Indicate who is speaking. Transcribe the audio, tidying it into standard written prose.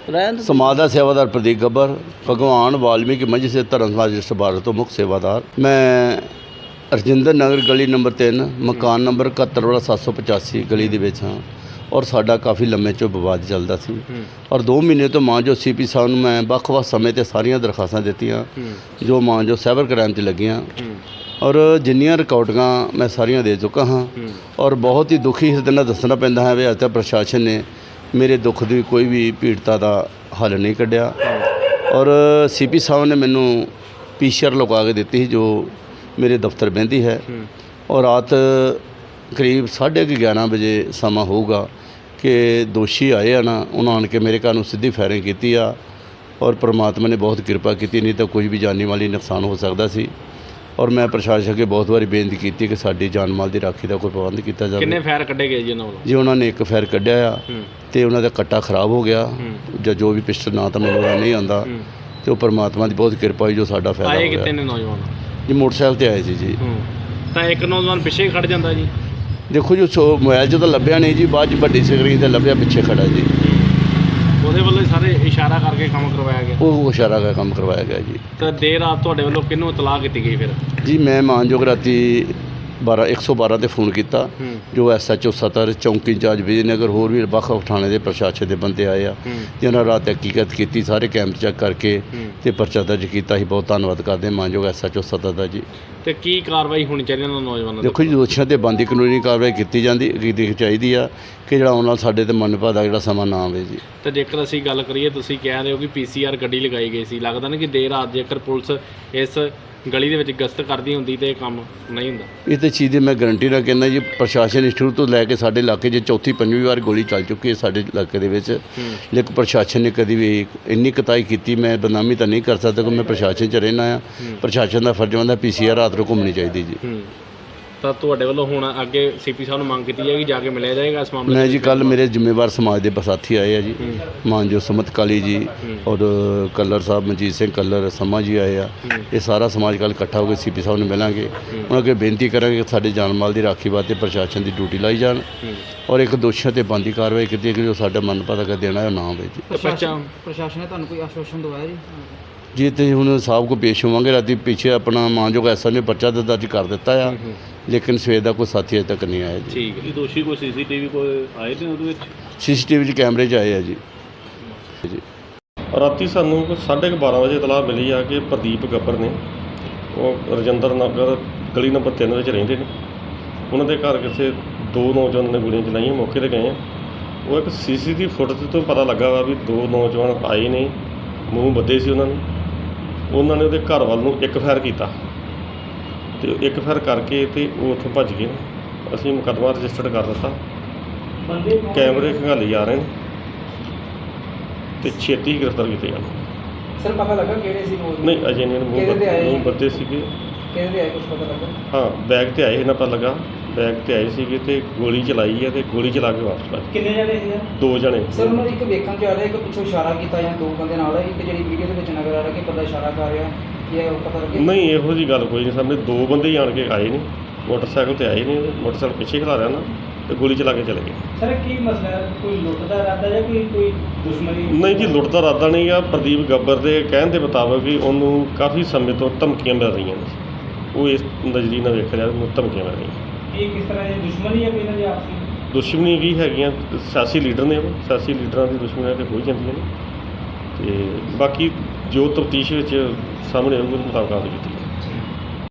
Speaker 1: समाज का सेवादार प्रदीप गब्बर, भगवान वाल्मीकि मंच से धर्म समाज रजिस्टर भारत तो मुख्य सेवादार। मैं रजिंदर नगर गली नंबर 3 मकान नंबर 71/785 गली ਦੇ ਵਿੱਚ ਹਾਂ और साडा काफ़ी लम्मे चो विवाद चलता सी और 2 महीने तो मां जो CP साहब ਨੂੰ मैं ਵੱਖ-ਵੱਖ ਸਮੇਂ ਤੇ ਸਾਰੀਆਂ ਦਰਖਾਸਤਾਂ ਦਿੱਤੀਆਂ जो मां जो साइबर क्राइम 'ਚ ਲੱਗੀਆਂ और जिन्नियां रिकॉर्डिंगां मैं सारियां दे चुका हाँ और बहुत ही दुखी ਹਿਰਦੇ ਨਾਲ ਦੱਸਣਾ ਪੈਂਦਾ है भी अज तक प्रशासन ने मेरे दुख की कोई भी पीड़िता का हल नहीं कढ़िया और CP साहब ने मैनू PCR लगा के दी जो मेरे दफ्तर बहती है और रात करीब 11:30 बजे समा होगा कि दोषी आए ना उन्होंने आन के मेरे घर में सीधी फायरिंग की और परमात्मा ने बहुत कृपा की, नहीं तो कुछ भी जानी माली नुकसान हो सकता सी। और मैं प्रशासन अगे बहुत बारी बेनती की कि साडी जान माल की राखी का कोई प्रबंध किया जाए।
Speaker 2: कितने फायर कढ़े गए जी
Speaker 1: जी उन्होंने एक फायर कढ़िया तो उन्होंने कट्टा खराब हो गया या जो भी पिस्टल ना तो मैं नहीं आता तो परमात्मा की बहुत कृपा हुई जो साडा फायदा
Speaker 2: आए कितने ने नौजवान
Speaker 1: जी मोटरसाइकिल से आए जी
Speaker 2: तो एक नौजवान पिछे खड़ जाता जी।
Speaker 1: देखो जी मोबाइल जो तो लभ्या नहीं जी, बाद वड्डी स्क्रीन से लभ्या पिछे खड़ा जी।
Speaker 2: ਉਹਦੇ ਵੱਲੋਂ ਸਾਰੇ ਇਸ਼ਾਰਾ ਕਰਕੇ ਕੰਮ ਕਰਵਾਇਆ ਗਿਆ।
Speaker 1: ਉਹ ਇਸ਼ਾਰਾ ਕਰਕੇ ਕੰਮ ਕਰਵਾਇਆ ਗਿਆ ਜੀ।
Speaker 2: ਤਾਂ ਦੇਰ ਰਾਤ ਤੁਹਾਡੇ ਵੱਲੋਂ ਕਿਹਨੂੰ ਇਤਲਾਹ ਕੀਤੀ ਗਈ ਫਿਰ?
Speaker 1: ਜੀ ਮੈਂ ਮਾਨਯੋਗ ਰਾਤੀ 112 ਤੇ ਫੋਨ ਕੀਤਾ ਜੋ SHO ਸਤਰ ਚੌਂਕੀ ਇੰਚਾਰਜ ਵਿਜੇਨਗਰ ਹੋਰ ਵੀ ਵੱਖ-ਵੱਖ ਥਾਣੇ ਦੇ ਪ੍ਰਸ਼ਾਸਨ ਦੇ ਬੰਦੇ ਆਏ ਆ ਜਿਨ੍ਹਾਂ ਰਾਤ ਹਕੀਕਤ ਕੀਤੀ, ਸਾਰੇ ਕੈਂਪ ਚੈੱਕ ਕਰਕੇ ਤੇ ਪਰਚਾ ਦਰਜ ਕੀਤਾ। ਅਸੀਂ ਬਹੁਤ ਧੰਨਵਾਦ ਕਰਦੇ ਹਾਂ ਮਾਨਯੋਗ SHO ਸਤਰ ਦਾ ਜੀ।
Speaker 2: ਤੇ ਕੀ ਕਾਰਵਾਈ ਹੋਣੀ ਚਾਹੀਦੀ ਇਹਨਾਂ ਨੌਜਵਾਨਾਂ ਦੀ?
Speaker 1: ਦੇਖੋ ਜੀ ਦੋਸ਼ੀਆਂ ਤੇ ਬਣਦੀ ਕਾਨੂੰਨੀ ਕਾਰਵਾਈ ਕੀਤੀ ਚਾਹੀਦੀ ਆ ਕਿ ਜਿਹੜਾ ਆਉਣ ਨਾਲ ਸਾਡੇ ਤੇ ਮਨਪਾ ਦਾ ਜਿਹੜਾ ਸਮਾਂ ਨਾ ਆਵੇ ਜੀ।
Speaker 2: ਤੇ ਜੇਕਰ ਅਸੀਂ ਗੱਲ ਕਰੀਏ ਤੁਸੀਂ ਕਹਿ ਰਹੇ ਹੋ ਕਿ PCR ਗੱਡੀ ਲਗਾਈ ਗਈ ਸੀ, ਲੱਗਦਾ ਨਾ ਕਿ ਦੇਰ ਰਾਤ ਜੇਕਰ ਪੁਲਿਸ ਇਸ ਗਲੀ ਦੇ ਵਿੱਚ ਗਸ਼ਤ ਕਰਦੀ ਹੁੰਦੀ ਤੇ ਇਹ ਕੰਮ ਨਹੀਂ ਹੁੰਦਾ।
Speaker 1: ਇਹ ਤਾਂ ਚੀਜ਼ ਦੀ ਮੈਂ ਗਰੰਟੀ ਨਾਲ ਕਹਿੰਦਾ ਜੀ ਪ੍ਰਸ਼ਾਸਨ ਸ਼ੁਰੂ ਤੋਂ ਲੈ ਕੇ ਸਾਡੇ ਇਲਾਕੇ 'ਚ ਚੌਥੀ ਪੰਜਵੀਂ ਵਾਰ ਗੋਲੀ ਚੱਲ ਚੁੱਕੀ ਹੈ ਸਾਡੇ ਇਲਾਕੇ ਦੇ ਵਿੱਚ, ਲੇਕਿਨ ਪ੍ਰਸ਼ਾਸਨ ਨੇ ਕਦੀ ਵੀ ਇੰਨੀ ਕੁਤਾਹੀ ਕੀਤੀ। ਮੈਂ ਬਦਨਾਮੀ ਤਾਂ ਨਹੀਂ ਕਰ ਸਕਦਾ ਕਿ ਮੈਂ ਪ੍ਰਸ਼ਾਸਨ 'ਚ ਰਹਿਣਾ ਆ। ਪ੍ਰਸ਼ਾਸਨ ਦਾ ਫਰਜ਼ ਬਣਦਾ PCR ਰਾਤ ਨੂੰ ਘੁੰਮਣੀ ਚਾਹੀਦੀ ਜੀ। ਤਾਂ
Speaker 2: ਤੁਹਾਡੇ ਵੱਲੋਂ ਹੁਣ ਅੱਗੇ CP ਸਾਹਿਬ ਨੂੰ ਮੰਗ ਕੀਤੀ ਜਾਏਗੀ ਜਾ ਕੇ ਮਿਲਿਆ ਜਾਏਗਾ ਇਸ ਮਾਮਲੇ?
Speaker 1: ਮੈਂ ਜੀ ਕੱਲ੍ਹ ਮੇਰੇ ਜ਼ਿੰਮੇਵਾਰ ਸਮਾਜ ਦੇ ਸਾਥੀ ਆਏ ਆ ਜੀ, ਮਾਨਜੋ ਸਮਤ ਕਾਲੀ ਜੀ ਔਰ ਕੱਲਰ ਸਾਹਿਬ ਮਨਜੀਤ ਸਿੰਘ ਕੱਲਰ ਸਮਾ ਜੀ ਆਏ ਆ। ਇਹ ਸਾਰਾ ਸਮਾਜ ਕੱਲ੍ਹ ਇਕੱਠਾ ਹੋ ਕੇ CP ਸਾਹਿਬ ਨੂੰ ਮਿਲਾਂਗੇ, ਉਹਨਾਂ ਅੱਗੇ ਬੇਨਤੀ ਕਰਾਂਗੇ ਕਿ ਸਾਡੇ ਜਾਨ ਮਾਲ ਦੀ ਰਾਖੀ ਵਾਸਤੇ ਪ੍ਰਸ਼ਾਸਨ ਦੀ ਡਿਊਟੀ ਲਾਈ ਜਾਣ ਔਰ ਇੱਕ ਦੋਸ਼ੀਆਂ ਤੇ ਬਣਦੀ ਕਾਰਵਾਈ ਕੀਤੀ ਕਿ ਜੋ ਸਾਡਾ ਮਨਪਾ ਦਾ ਦੇਣਾ ਉਹ ਨਾ ਹੋਵੇ ਜੀ।
Speaker 2: ਪ੍ਰਸ਼ਾਸਨ ਨੇ ਤੁਹਾਨੂੰ ਕੋਈ ਆਸ਼ਵਾਸਨ ਦਵਾਇਆ ਜੀ?
Speaker 1: ਜੀ ਤੇ ਹੁਣ ਸਾਹਿਬ ਕੋ ਪੇਸ਼ ਹੋਵਾਂਗੇ। ਰਾਤੀ ਪਿੱਛੇ ਆਪਣਾ ਮਾਨਯੋਗ SHO ਨੇ ਪਰਚਾ ਦਰਜ ਕਰ ਦਿੱਤਾ ਆ, ਲੇਕਿਨ ਸਵੇਰ ਦਾ ਕੋਈ ਸਾਥੀ ਅਜੇ ਤੱਕ ਨਹੀਂ ਆਇਆ ਜੀ।
Speaker 2: ਠੀਕ ਹੈ। ਦੋਸ਼ੀ ਕੋਈ CCTV ਕੋਈ ਆਏ ਨੇ ਉਹਦੇ ਵਿੱਚ?
Speaker 1: CCTV 'ਚ ਕੈਮਰੇ 'ਚ ਆਏ ਆ ਜੀ।
Speaker 3: ਰਾਤੀ ਸਾਨੂੰ 12:30 ਵਜੇ ਇਤਲਾਹ ਮਿਲੀ ਆ ਕਿ ਪ੍ਰਦੀਪ ਗੱਬਰ ਨੇ ਉਹ ਰਜਿੰਦਰ ਨਗਰ ਗਲੀ ਨੰਬਰ 3 ਵਿੱਚ ਰਹਿੰਦੇ ਨੇ। ਉਹਨਾਂ ਦੇ ਘਰ ਕਿਸੇ 2 ਨੌਜਵਾਨਾਂ ਨੇ ਗੋਲੀਆਂ ਚਲਾਈਆਂ। ਮੌਕੇ 'ਤੇ ਗਏ ਆ, ਉਹ ਇੱਕ CCTV ਫੁਟੇਜ ਤੋਂ ਪਤਾ ਲੱਗਾ ਵਾ ਵੀ 2 ਨੌਜਵਾਨ ਆਏ ਨੇ, ਮੂੰਹ ਬੱਧੇ ਸੀ ਉਹਨਾਂ ਨੇ ਉਹਦੇ ਘਰ ਵੱਲ ਨੂੰ ਇੱਕ ਫਾਇਰ ਕੀਤਾ ਤੇ ਇੱਕ ਫਾਇਰ ਕਰਕੇ ਤੇ ਉਹ ਉੱਥੋਂ ਭੱਜ ਗਏ। ਅਸੀਂ ਮੁਕੱਦਮਾ ਰਜਿਸਟਰਡ ਕਰ ਦਿੱਤਾ, ਕੈਮਰੇ ਖੰਗਾਲੇ ਜਾ ਰਹੇ ਨੇ ਤੇ ਛੇਤੀ ਗ੍ਰਿਫਤਾਰ ਕੀਤੇ ਜਾਣ।
Speaker 2: ਸਰ ਪਤਾ ਲੱਗਾ ਕਿਹੜੇ ਸੀ ਲੋਕ?
Speaker 3: ਨਹੀਂ ਅਜੇ ਨਹੀਂ, ਮੂੰਹ ਬੱਧੇ ਸੀਗੇ।
Speaker 2: ਕਿਹਦੇ ਆਏ ਕੁਝ ਪਤਾ ਲੱਗਾ?
Speaker 3: ਹਾਂ ਬੈਗ ਤੇ ਆਏ ਇਹਨਾਂ ਪਤਾ ਲੱਗਾ, ਬੈਗ ਤੇ ਆਏ ਸੀਗੇ ਤੇ ਗੋਲੀ ਚਲਾਈ ਹੈ ਤੇ ਗੋਲੀ ਚਲਾ ਕੇ ਵਾਪਸ ਭੱਜ।
Speaker 2: ਕਿੰਨੇ ਜਣੇ ਸੀ?
Speaker 3: 2 ਜਣੇ।
Speaker 4: ਸਰ ਉਹਨਾਂ ਇੱਕ ਵੇਖਣ 'ਚ ਆ ਰਿਹਾ ਕਿ ਪਿੱਛੋਂ ਇਸ਼ਾਰਾ ਕੀਤਾ ਜਾਂ 2 ਬੰਦੇ ਨਾਲ ਇੱਕ ਜਿਹੜੀ ਵੀਡੀਓ ਦੇ ਵਿੱਚ ਨਜ਼ਰ ਆ ਰਿਹਾ ਕਿ ਬੰਦਾ ਇਸ਼ਾਰਾ ਕਰ ਰਿਹਾ, ਕੀ ਹੈ ਉਹ ਪਤਾ ਲੱਗਿਆ?
Speaker 3: ਨਹੀਂ ਇਹੋ ਜਿਹੀ ਗੱਲ ਕੋਈ ਨਹੀਂ, ਸਾਹਮਣੇ 2 ਬੰਦੇ ਹੀ ਆਣ ਕੇ ਆਏ ਨੇ, ਮੋਟਰਸਾਈਕਲ ਤੇ ਆਏ ਨੇ, ਮੋਟਰਸਾਈਕਲ ਪਿੱਛੇ ਖਿਲਾ ਰਿਹਾ ਨਾ ਤੇ ਗੋਲੀ ਚਲਾ ਕੇ ਚਲੇ ਗਏ।
Speaker 4: ਸਰ ਕੀ ਮਸਲਾ ਹੈ, ਕੋਈ ਲੁੱਟ ਦਾ ਇਰਾਦਾ ਜਾਂ ਕੋਈ ਦੁਸ਼ਮਣੀ?
Speaker 3: ਨਹੀਂ ਜੀ ਲੁੱਟ ਦਾ ਇਰਾਦਾ ਨਹੀਂ ਆ। ਪ੍ਰਦੀਪ ਗੱਬਰ ਦੇ ਕਹਿਣ ਦੇ ਮੁਤਾਬਕ ਵੀ ਉਹਨੂੰ ਕਾਫੀ ਸਮੇਂ ਤੋਂ ਧਮਕੀਆਂ ਮਿਲ ਰਹੀਆਂ ਨੇ, ਉਹ ਇਸ ਨਜ਼ਰੀਏ ਨਾਲ ਵੇਖ ਰਿਹਾ ਉਹਨੂੰ ਧਮਕੀਆਂ ਮਿਲ ਰਹੀਆਂ।
Speaker 4: ਇਹ ਕਿਸ ਤਰ੍ਹਾਂ ਦੀ ਦੁਸ਼ਮਣੀ ਹੈ ਕੋਈ ਇਹਨਾਂ ਦੀ ਆਪਸੀ?
Speaker 3: ਦੁਸ਼ਮਣੀ ਵੀ ਹੈਗੀਆਂ, ਸਿਆਸੀ ਲੀਡਰ ਨੇ, ਉਹ ਸਿਆਸੀ ਲੀਡਰਾਂ ਦੀ ਦੁਸ਼ਮਣੀਆਂ ਤੇ ਹੋ ਹੀ ਜਾਂਦੀਆਂ ਨੇ ਤੇ ਬਾਕੀ ਜੋ ਤਫਤੀਸ਼ ਵਿੱਚ ਸਾਹਮਣੇ ਆਊਗਾ ਉਸ ਮੁਤਾਬਕ ਕਾਰਵਾਈ ਕੀਤੀ